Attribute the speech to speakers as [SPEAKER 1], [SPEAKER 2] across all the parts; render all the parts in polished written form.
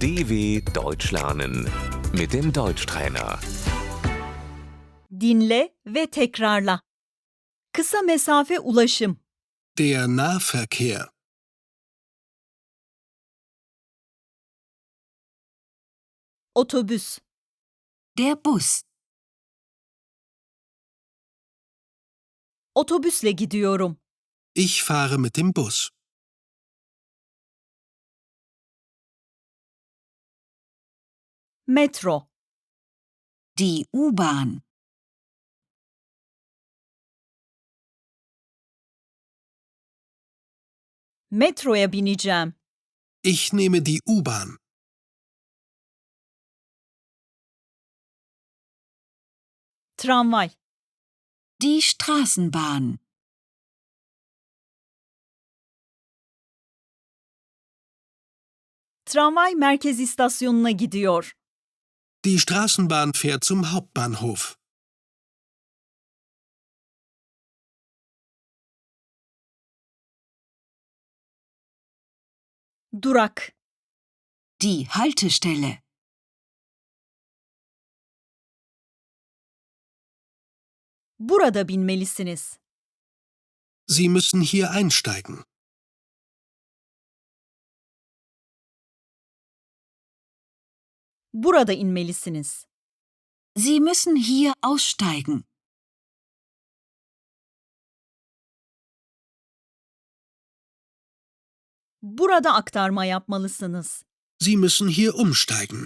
[SPEAKER 1] DW Deutsch lernen mit dem Deutschtrainer.
[SPEAKER 2] Dinle ve tekrarla. Kısa mesafe ulaşım.
[SPEAKER 3] Der Nahverkehr.
[SPEAKER 2] Otobüs,
[SPEAKER 4] Der Bus.
[SPEAKER 2] otobüsle gidiyorum.
[SPEAKER 3] Ich fahre mit dem Bus.
[SPEAKER 2] Metro,
[SPEAKER 4] Die U-Bahn.
[SPEAKER 2] metroya bineceğim.
[SPEAKER 3] Ich nehme die U-Bahn.
[SPEAKER 2] Tramvay,
[SPEAKER 4] Die Straßenbahn.
[SPEAKER 2] tramvay merkez istasyonuna gidiyor.
[SPEAKER 3] Die Straßenbahn fährt zum Hauptbahnhof.
[SPEAKER 2] Durak,
[SPEAKER 4] Die Haltestelle.
[SPEAKER 2] burada binmelisiniz.
[SPEAKER 3] Sie müssen hier einsteigen.
[SPEAKER 2] Burada inmelisiniz.
[SPEAKER 4] Sie müssen hier aussteigen.
[SPEAKER 2] Burada aktarma yapmalısınız.
[SPEAKER 3] Sie müssen hier umsteigen.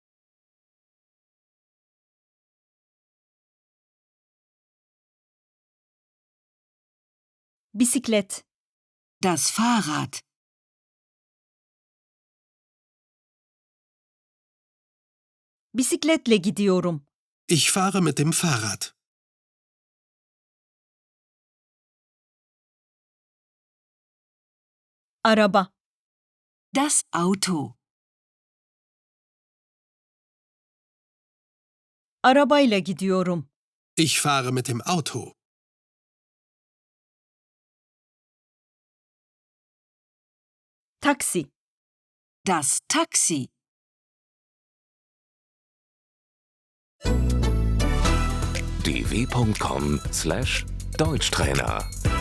[SPEAKER 2] Bisiklet,
[SPEAKER 4] Das Fahrrad.
[SPEAKER 2] bisikletle gidiyorum.
[SPEAKER 3] Ich fahre mit dem Fahrrad.
[SPEAKER 2] Araba,
[SPEAKER 4] Das Auto.
[SPEAKER 2] arabayla gidiyorum.
[SPEAKER 3] Ich fahre mit dem Auto.
[SPEAKER 2] Taksi,
[SPEAKER 4] Das Taxi.
[SPEAKER 1] dw.com/Deutschtrainer